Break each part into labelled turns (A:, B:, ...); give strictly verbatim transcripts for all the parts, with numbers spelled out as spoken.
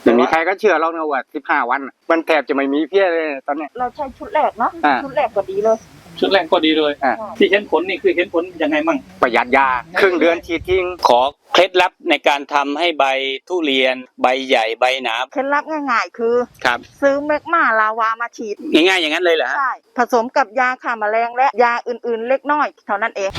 A: ไม่มีใครก็เชื่อเรานะว่าสิบห้าวันมันแทบจะไม่มีเพี้ยเลยตอนนี้
B: เราใช้ชุดแรกเนาะชุดแรกก็ดีเลย
C: ชุดแรกก็ดีเลยที่เห็นผลนี่คือเห็นผลยังไงมั่ง
A: ประหยัดยาครึ่งเดือนฉีดทิ้ง
D: ขอเคล็ดลับในการทำให้ใบทุเรียนใบใหญ่ใบหนา
B: เคล็ดลับง่ายๆคือ
D: ครับ
B: ซื้อแมกมาลาวามาฉีด
D: ง่ายๆอย่างนั้นเลยเหรอฮะ
B: ใช่ผสมกับยาฆ่าแมลงและยาอื่นๆเล็กน้อยเท่านั้นเอง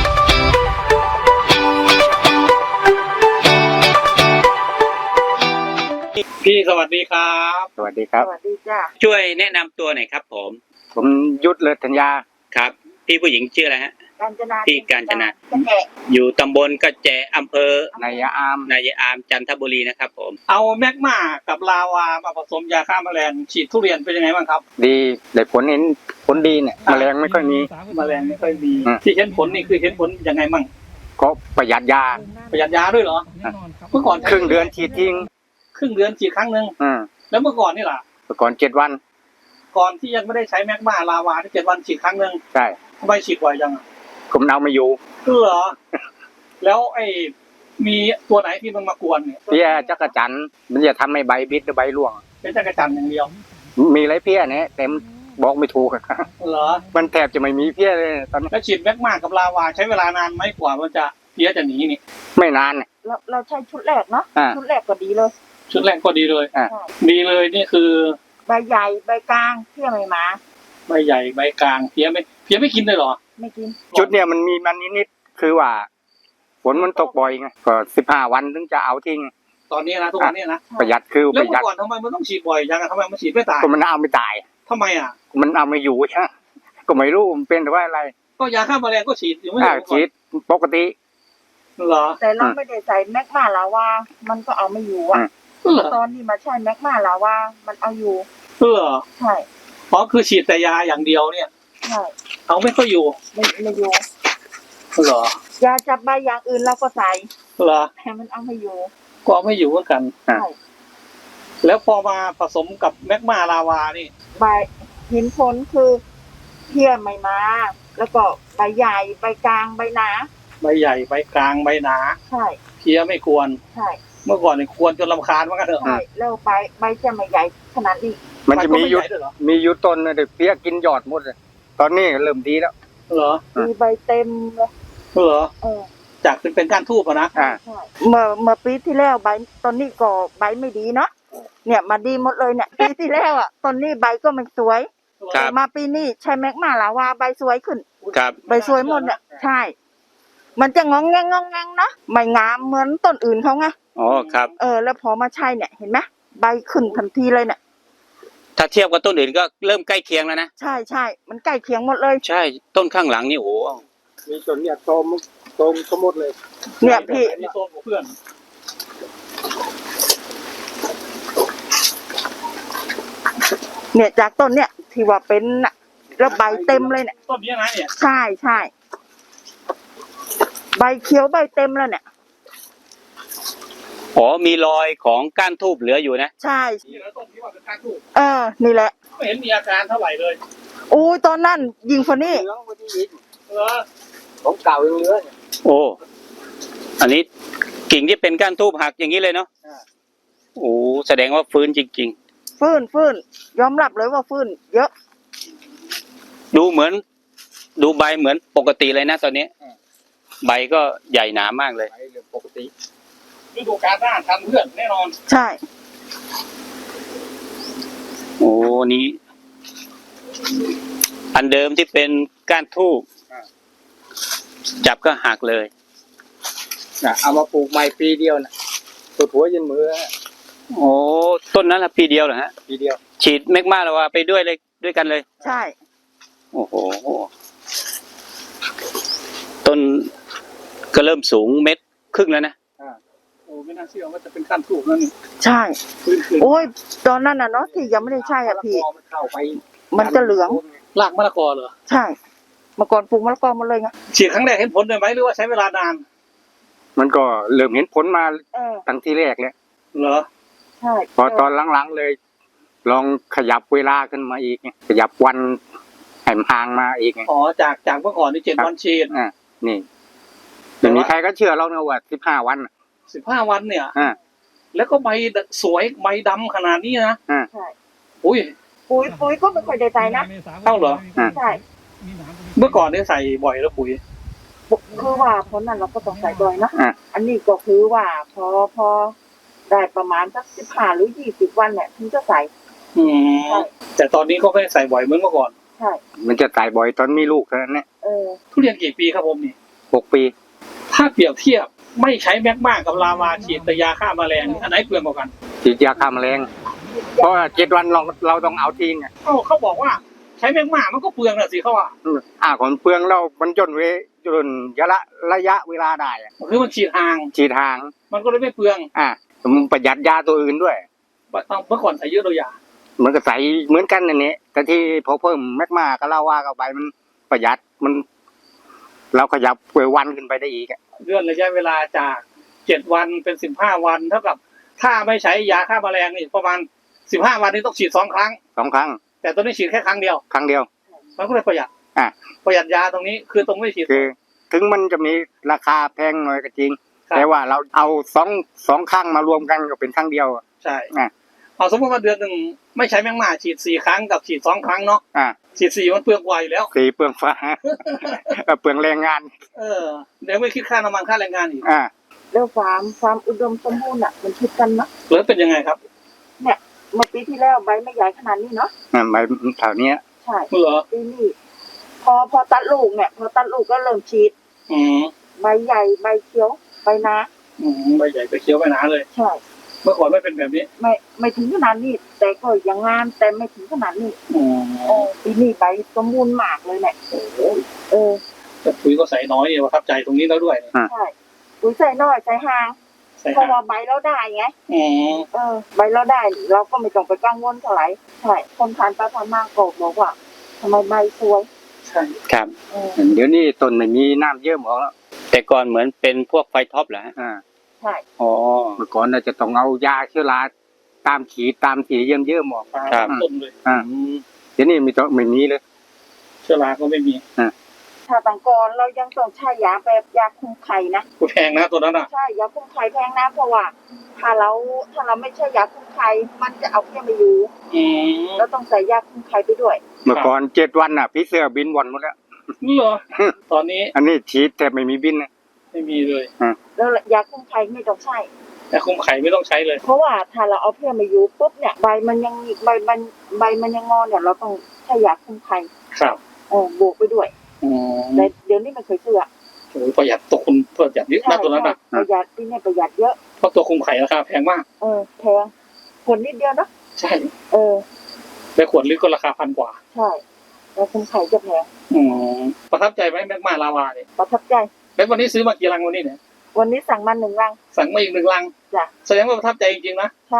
C: พี่สวัสดีครับ
A: สวัสดีครับ
B: สวัสดีจ้า
D: ช่วยแนะนำตัวหน่อยครับผม
A: ผมยุทธเลิศธัญญา
D: ครับพี่ผู้หญิงชื่ออะไรฮะ
B: กาญจนา
D: พี่กาญจนาอยู่ตำบลกระแจอำเภอน
A: ายอาม
D: นายอามจันทบุรีนะครับผม
C: เอาแมกมากับลาวามาผสมยาฆ่าแมลงฉีดทุเรียนเป็นยังไงบ้างครับ
A: ดีได้ผลเห็นผลดีเนี่ยแมลงไม่ค่อยมี
C: แมลงไม่ค่อยมีที่เห็นผลนี่คือเห็นผลยังไงบ้าง
A: ก็ประหยัดยา
C: ประหยัดยาด้วยเหรอเมื่อก่อน
A: ครึ่งเดือนฉีดทิ้ง
C: ครึ่งเดือนฉีดครั้งนึงแล้วเมื่อก่อนนี่ล่ะ
A: เมื่อก่อนเจ็ดวัน
C: ก่อนที่ยังไม่ได้ใช้แมกมาลาวาที่เจ็ดวันฉีดครั้งนึง
A: ใช่
C: ทำไมฉีดบ่อยจัง
A: ผมเอาไม่อยู่
C: เหรอแล้วไอ้มีตัวไหนที่มันมากวนเนี่ย
A: เพี้ยจักรจันทร์มันจะทำให้ใบบิดหรือใบร่วง
C: เป็นจักรจันทร์อย่างเดียว
A: มีไรเพี้ยเนี่ยเต็มบอกไม่ถูก
C: เหรอ
A: มันแทบจะไม่มีเพี้ยเลยตอนนี้
C: แล้วฉีดแมกมากับลาวาใช้เวลานานไหมกว่ามันจะเพี้ยจะหนีนี่
A: ไม่นาน
B: เราเราใช้ชุดแรกเนาะชุดแรกก็ดีเลย
C: ชุดแรกก็ดีเลยดีเลยนี่คือ
B: ใบใหญ่ใบกลางเพี้ยไม่มา
C: ใบใหญ่ใบกลางเพี้ยไม่เพี้ยไม่กินเลยเหรอ
B: ไม่กิน
A: ชุดเนี่ยมันมีมันนิดๆคือว่าฝนมันตกบ่อยไงก็สิบห้าวันถึงจะเอาทิ้ง
C: ตอนนี้นะทุกวันนี้นะ
A: ประหยัดคือ
C: ประหยัดแล้วเมื่อก่อนทำไมมันต้องฉีดบ่อยจังทำไมมันฉีดไม่ตาย
A: ก็มันเอาไม่ตาย
C: ทำไมอ่ะ
A: มันเอาไม่อยู่ใช่ก็ไม่รู้มันเป็นแต่ว่าอะไร
C: ก็ยาฆ่าแมลงก็ฉีดอยู่ไม่ใช่
A: ฉีดปกติ
C: เหรอ
B: แต่เราไม่ได้ใส่แมกมาลาวามันก็เอาไม่อยู่อ่ะตอนนี้มาใช้แมกมาลาวามันเอาอยู่
C: เหรอ
B: ใช่
C: เพราะคือฉีดแต่ยาอย่างเดียวเนี่ย
B: ใช่
C: เอาไม่ค่อยอยู่
B: ไม่ไม่อยู่
C: เหร
B: อยาจับใบอย่างอื่นเราก็ใส่
C: เหรอ
B: แต่มันเอาไม่อยู่
C: ก็เอาไม่อยู่เหมือนกัน
B: ใช่
C: แล้วพอมาผสมกับแมกมาลาวานี่
B: ใบเห็นผลคือเพี้ยไม่มาแล้วก็ใบใหญ่ใบกลางใบหนา
C: ใบใหญ่ใบกลางใบหนา
B: ใช่
C: เพี้ยไม่ควร
B: ใช่
C: เมื่อก่อนเนี่ยควรจนรำคาญมากเถอะ
B: ใช่แล้วใบใบจะไม่ใหญ่ขนาดนี้
A: มันจะมียุดมียุดต้นเลยเพี้ยกินยอดหมดเลยตอนนี้เริ่มดีแล้ว
C: เหรอ
B: มีใบเต็มเลย
C: เหรอเออจากเป็นเป็นก้านทูบนะ
B: อ่าเมื่อเมื่อปีที่แล้วใบตอนนี้ก็ใบไม่ดีเนาะเนี่ยมาดีหมดเลยเนี่ยปีที่แล้วอ่ะตอนนี้ใบก็ไม่สวยมาปีนี้ใช้แมกมาลาวาใบสวยขึ้น
D: ครับ
B: ใบสวยหมดเนี่ยใช่มันจะงองแงงงองแงงเนาะไม่งามเหมือนต้นอื่นเขาไง
D: อ๋อครับ
B: เออแล้วพอมาใช้เนี่ยเห็นไหมใบขึ้นทันทีเลยเนี่ย
D: ถ้าเทียบกับต้นอื่นก็เริ่มใกล้เคียงแล้วนะ
B: ใช่ใช่มันใกล้เคียงหมดเลย
D: ใช่ต้นข้างหลังนี่โอ้
A: มีต้นเนี่ยโตมโตมก็หมดเลย
B: เนี่ยพี่
C: มีโตมกับเพื่อน
B: เนี่ยจากต้นเนี่ยที่ว่าเป็นน่ะแล้วใบเต็มเลยเนี่ย
C: ต้นนี้นะเนี่ย
B: ใช่ใช่ใบเขียวใบเต็มแล้วเนี่ย
D: อ๋อมีรอยของก้านทูบเหลืออยู่นะ
B: ใช่
C: นี่แล้วต้นที่ว่าเป็นก้านทูบ
B: เออนี่แหละ
C: ไม่เห็นมีอาการเท่าไหร่เลย
B: โอ้ยตอนนั้นยิงคนนี้
C: เหรอ
A: ของเก่ายังเหลือ
D: โอ้อันนี้กิ่งที่เป็นก้านทูบหักอย่างนี้เลยเนาะโอ้แสดงว่าฟื้นจริง
B: ๆฟื้นฟื้นยอมรับเลยว่าฟื้นเยอะ
D: ดูเหมือนดูใบเหมือนปกติเลยนะตอนนี้ใบก็ใหญ่หนามากเลย
A: ปกติ
C: ฤดูกาลหน้าทันเพื่อนแน่นอน
B: ใช่
D: โอ้นี้อันเดิมที่เป็นก้านทูบจับก็หักเลย
A: นะเอามาปลูกใหม่ปีเดียวนะตัวหัวยันมือ
D: โอ้ต้นนั้นละปีเดียวเหรอฮะ
A: ปีเดียว
D: ฉีดแมกมาแล้วว่าไปด้วยเลยด้วยกันเลย
B: ใช่
D: โอ้โหต้นก็เริ่มสูงเม็ดครึ่งแล้วนะ
C: โอ้ไม่น่าเชื่อว่าจะเป็นก้านทูบนั่น
B: ใช่โอ้ยตอนนั้นน่ะเนาะที่ยังไม่ได้ใช่อ่ะพี่มันจะเหลือง
C: รากมะละกอเหรอ
B: ใช่เมื่อก่อนปลูกมะละกอมาเลยไง
C: ฉีดครั้งแรกเห็นผลเลยไหมหรือว่าใช้เวลานาน
A: มันก็เริ่มเห็นผลมาตั้งที่แรกแล้ว
C: เหรอ
B: ใช่
A: พอตอนหลังๆเลยลองขยับเวลาขึ้นมาอีกขยับวันแหมห่างมาอีก
C: อ๋อจากจากเมื่อก่อนนี่เจ็ดวันฉีด
A: อ่านี่ไม่มีใครก็เชื่อเรานะว่าสิบห้าวัน
C: สิบห้าวันเนี่ย
A: อ่า
C: แล้วก็ใบสวยใบดำขนาดนี้นะ
B: ใช่
C: อุ้ย
B: ปุ๋ยปุ๋ยก็ไม่ค่อยได้ใส่นะ
C: เอ้าเหรอ
B: ใช่
C: เมื่อก่อนเนี่ยใส่บ่อยแล้วปุ๋ย
B: คือว่าเพราะนั้นเราก็ต้องใส่บ่อยนะ
A: อ่ะ
B: อันนี้ก็คือว่าพอพอได้ประมาณสักสิบห้าหรือยี่สิบวันเนี่ยถึงจะใส่
C: อืม
B: ใช่
C: แต่ตอนนี้ก็ไม่ได้ใส่บ่อยเหมือนเมื่อก่อน
B: ใช่
A: มันจะตายบ่อยตอนมีลูกเท่านั้นเนี่ย
B: เออ
C: ทุเรียนกี่ปีครับผมนี่
A: หกปี
C: ถ้าเปรียบเทียบไม่ใช้แมกมากับลาวาฉีดแต่ยาฆ่าแมลงอันไหนเปลืองกว่ากัน
A: ฉีดยาฆ่าแมลงเพราะว่าเจ็ดวันเราเราต้องเอาทิ้งอ่ะ
C: เอ้าเขาบอกว่าใช้แมกมามันก็เปลืองน่ะสิเขาว่า
A: อืมอ่าก่อนเปลืองเรามันจนเวจนระยะระยะเวลาได้อะ
C: คือมันฉีดห่าง
A: ฉีดทาง
C: มันก็เลยไม่เปลือง
A: อ่ามันประหยัดยาตัวอื่นด้วย
C: เมื่อก่อนใส่เยอะตัวยา
A: มันก็ใส่เหมือนกันนั่นนี่แต่ที่พอเพิ่มแมกมาก็เล่าว่าเข้าไปมันประหยัดมัน เราขยับเววันขึ้นไปได้อีกอะ
C: เลื่อนระยะเวลาจากเจ็ดวันเป็นสิบห้าวันเท่ากับถ้าไม่ใช้ยาฆ่าแมลงนี่ประมาณสิบห้าวันนี้ต้องฉีดสองครั้ง
A: สองครั้ง
C: แต่ตัวนี้ฉีดแค่ครั้งเดียว
A: ครั้งเดียว
C: มันก็เลยประหยัด
A: อ่ะ
C: ประหยัดยาตรงนี้คือตรงไม่ฉีด
A: คือ ถึงมันจะมีราคาแพงหน่อยก็จริง
C: ครับ
A: แต่ว่าเราเอาสองสองครั้งมารวมกันก็เป็นครั้งเดียวอะ
C: ใช่
A: อ่ะ
C: เอาสมมติว่าเดือนหนึ่งไม่ใช้แมงมาฉีดสี่ครั้งกับฉีดสองครั้งเนาะ
A: อ่า
C: ฉีดสี่มันเปลืองกว่าอยู่แล้ว
A: สีเปลืองฟ้า เปลืองแรงงาน
C: เออเดี๋ยวไม่คิดค่าน้ำมันค่าแรงงานอีก
A: อ่า
B: แล้วความความอุดมสมบูรณ์อ่ะมันคิดกันเนาะ
C: หรือเป็นยังไงครับ
B: เนี่ยเมื่อปีที่แล้วใบไม่ใหญ่ขนาดนี้เนาะ
A: อ่าใบแถวเนี้ย
B: ใช่
C: เหรอ
B: ปีนี้พอพอตัดลูกเนี่ยพอตัดลูกก็เริ่มฉีด
C: อืม
B: ใบใหญ่ใบเขียวใบหนา
C: อืมใบใหญ่ไปเคี้ยวไปหนาเลย
B: ใช่
C: เมื่อก่อนไม่เป็นแบบนี้
B: ไม่ไม่ถึงขนาดนี้แต่ก็ยังงามแต่ไม่ถึงขนาดนี้
C: อืม
B: เออปีนี้ใบสมบูรณ์มากเลยเนี่ยเออ
C: แต่ปุ๋ยก็ใส่น้อยเนี่ยประทับใจตรงนี้แล้วด้วย
B: ใช่ปุ๋ยใส่น้อยใส่ห่าง
C: ใส่
B: เพราะ
C: ห่า
B: ว่าง ใบเราได้ไง
C: อืม
B: เออใบเราได้เราก็ไม่ต้องไปกังวลเท่าไหร่ใช่คนทานไปทานมาก็บอกว่าทำไมใบสวย
C: ใช่
D: ครับ
B: เออ
A: เดี๋ยวนี้ต้นไม่มีน้ำเยอะหมดแล้ว
D: แต่ก่อนเหมือนเป็นพวกไฟท็อปเหรอฮะ
A: อ่า
B: ใช่
D: อ๋อ
A: เมื่อก่อนเราจะต้องเอายาเชื้อราตามขีดตามสีเยี่ยมเยอะหมด
D: ครับ
C: ต้นเลย
A: อ่า
C: อืม
A: เดี๋ยวนี้ไม่ต้องไม่มีเลย
C: เชื้อราก็ไม่มี
B: ถ้าต่างก่อนเรายังต้องใช้ยาแบบยาคุมไข่นะ
C: กูแพงนะตัวนั้นอ่ะ
B: ใช่ยาคุมไข่แพงนะเพราะว่า ถ้าเราถ้าเราไม่ใช่ยาคุมไข่มันจะเอาเพี้ยไม่อยู่
C: อืม
B: เราต้องใส่ยาคุมไข่ไปด้วย
A: เมื่อก่อนเจ็ดวันน่ะพี่เสือบินวันหมดแล้ว
C: นี่เหรอ ตอนนี้
A: อันนี้ฉีดแต่ไม่มีบินนะ
C: ไม่มีเลย
B: แล้วยาคุมไข่ไม่ต้องใช้
C: แต่คุมไข่ไม่ต้องใช้เลย
B: เพราะว่าถ้าเราเอาเพี้ยไม่อยู่ปุ๊บเนี่ยใบมันยังใบมันใบมันยังงอนเนี่ยเราต้องใช้ยาคุมไข่
C: ครับ
B: เออบวกไปด้วย
C: อืม
B: แต่เดี๋ยวนี้มันเคยเชื่อ
C: โอ้ยประหยัดตัวคุณประหยัดเยอะนะตัวนั้นอ่ะ
B: ประหยัดที่เนี่ยประหยัดเยอะ
C: เพราะตัวคุมไข่ราคาแพงมาก
B: เออแพงขวดนิดเดียวเนาะ
C: ใช่
B: เออ
C: แต่ขวดลิตรก็ราคาพันกว่า
B: ใช่แล้วคุมไข่จะแพง
C: อืมประทับใจไหมแมกมาลาวาเนี่ย
B: ประทับใจ
C: แล้ววันนี้ซื้อมากี่ลังวันนี้เนี่ย
B: วันนี้สั่งมาหนึ่งรัง
C: สั่งมาอีกหนึ่งลัง
B: จ้ะ
C: แสดงว่าประทับใจจริงๆนะ
B: ใช่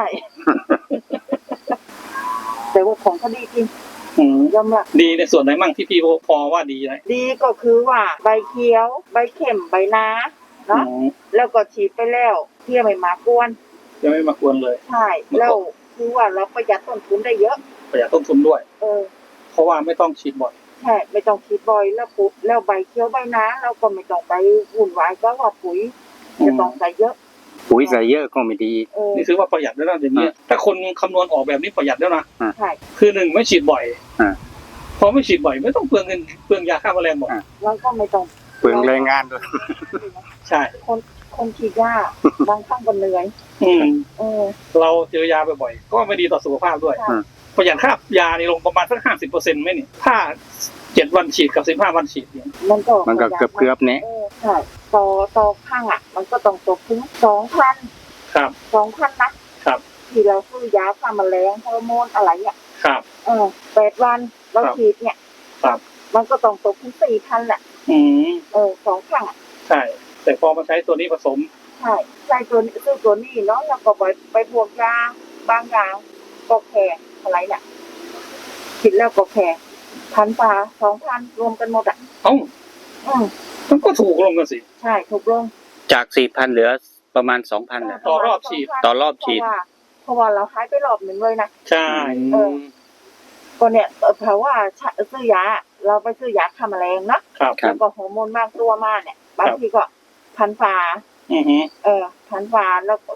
B: แต่ว่าของเขาดีจริง
C: อืม
B: ยอมรับ
C: ดีในส่วนไหนมั่งที่พี่พอว่าดีนะ
B: ดีก็คือว่าใบเขียว ใบเข็มใบนาเนาะ
C: อืม
B: แล้วก็ฉีดไปแล้วเพี้ยไม่มากวน
C: ยังไม่มากวนเลย
B: ใช่แล้วคือว่าเราประหยัดต้นทุนได้เยอะ
C: ประหยัดต้นทุนด้วย
B: เออ
C: เพราะว่าไม่ต้องฉีดบ่อย
B: ใช่ไม่ต้องฉีดบ่อยแล้วปุ๊บแล้วใบเขียวใบนาเราก็ไม่ต้องไปวุ่นวายก็ว่าปุ๋ยจะต้องใส่เยอะ
A: ปุ๋ยใส่เยอะก็ไม่ดี
B: เออ
C: นี่ถือว่าประหยัดแล้วนะเดี๋ยวนี้ถ้าคนคำนวณออกแบบนี้ประหยัดแล้วนะ
B: ใช่
C: คือหนึ่งไม่ฉีดบ่อย
A: อ่า
C: พอไม่ฉีดบ่อยไม่ต้องเปลืองเงินเปลืองยาฆ่าแมลงบ่อย
A: อ่า
B: แล้วก็ไม่ต้อง
A: เปลืองแรงงานด้วย
C: ใช่
B: คนคนฉีดยาบางครั้งก็เหนื่อย
C: อืม
B: เออ
C: เราเจอยาบ่อยๆก็ไม่ดีต่อสุขภาพด้วย
B: ใช่
C: ประหยัดค่ายานี่ลงประมาณสักห้าสิบเปอร์เซ็นต์ไหมนี่ถ้าเจ็ดวันฉีดกับสิบห้าวันฉีดเนี่ย
B: มันก็
A: มันก็เกือบเกือบๆเนี้ย
B: เออใช่ต่อต่อข้างอ่ะ มันก็ต้องตกถึงสองพัน
C: ครับ
B: สองพันนะครับ ที่เราซื้อยาฆ่าแมลงฮอร์โมนอะไรเนี่ย
C: ครับ
B: เออแปดวันเรา
C: ครับ
B: ฉีดเนี่ย
C: ครับ
B: มันก็ต้องตกถึงสี่พันแหละ
C: อืม
B: เออสองข้างอ่ะ
C: ใช่ แต่พอมาใช้ตัวนี้ผสม
B: ใช่ใช่ตัวนี้ซื้อตัวนี้เนาะแล้วก็ไปไปบวกยาบางอย่างก็แพงอะไรเนี่ยฉีดแล้วก็แพงพันปลาสองพันรวมกันหมดอ่ะ
C: เอ้า
B: อืม
C: มันก็ถูกลงกันสิ
B: ใช่ถูกลง
D: จากสี่พันเหลือประมาณสองพันนะ
C: ต่อรอบฉีด
D: ต่อรอบฉีด
B: เพราะว่าเพราะว่าเราหายไปรอบหนึ่งเลยนะ
C: ใช่
B: เออ ก็เนี่ยเอ่อเพราะว่าซื้อยาเราไปซื้อยาฆ่าแมลงเนาะ
C: ครับ
D: ครั
B: แล้
D: บ
B: วก็ฮอร์โมนบางตัวมาเนี่ยบางทีก็พันฝา
C: อือฮึ
B: เออพันฝาแล้วก็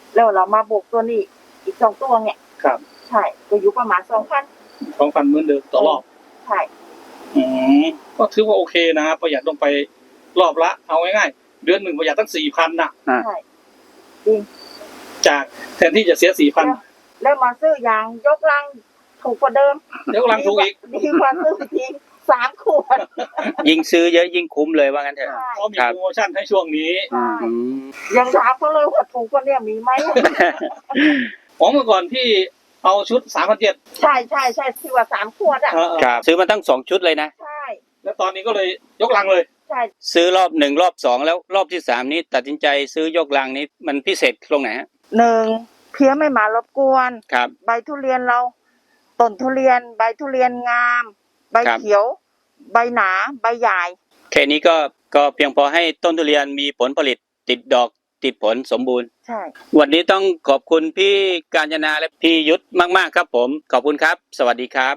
B: แล้วเรามาบวกตัวนี้อีกสองตัวเนี่ย
C: ครับ
B: ใช่ก็อยู่ประมาณสองพัน
C: สองพันเหมือนเดิมต่อรอบ
B: ใช่
C: อืมก็ถือว่าโอเคนะประหยัดลงไปรอบละเอาง่ายๆเดือนหนึ่งประหยัดตั้งสี่พันนะ
B: ใช่จริง
C: จากแทนที่จะเสียสี่พัน
B: แล้วมาซื้อยางยกลังถูกกว่าเดิม
C: เดี๋ยวกำลังถูกอีก
B: ดีกว่าซื้อทีสามขวด
D: ยิ่งซื้อเยอะยิ่งคุ้มเลยว่างั้นเถอะ
B: ใช่
C: เขามีโปรโมชั่นให้ช่วงนี้
B: ใช่
D: อืม
B: ยังถามเขาเลยว่าถูกกว่าเนี่ยมีไหม
C: อ๋อเมื่อก่อนพี่เอาชุดสามพันเจ็ด
B: ใช่ใช่ใช่ที่ว่าสามขวดอ่ะ
D: ครับซื้อมาตั้งสองชุดเลยนะ
B: ใช่
C: แล้วตอนนี้ก็เลยยกลังเลย
B: ใช่
D: ซื้อรอบหนึ่งรอบสองแล้วรอบที่สามนี้ตัดสินใจซื้อยกลังนี้มันพิเศษตรงไหนฮะ
B: หนึ่งเพี้ยไม่มารบกวน
D: ครับ
B: ใบทุเรียนเราต้นทุเรียน ใบทุเรียนงาม ใบ
D: ครับ
B: เขียว ใบหนา ใบใหญ่
D: แค่นี้ก็ก็เพียงพอให้ต้นทุเรียนมีผลผลิตติดดอกติดผลสมบูรณ์
B: ใช่
D: วันนี้ต้องขอบคุณพี่กาญจนาและพี่ยุทธมากๆครับผมขอบคุณครับ สวัสดีครับ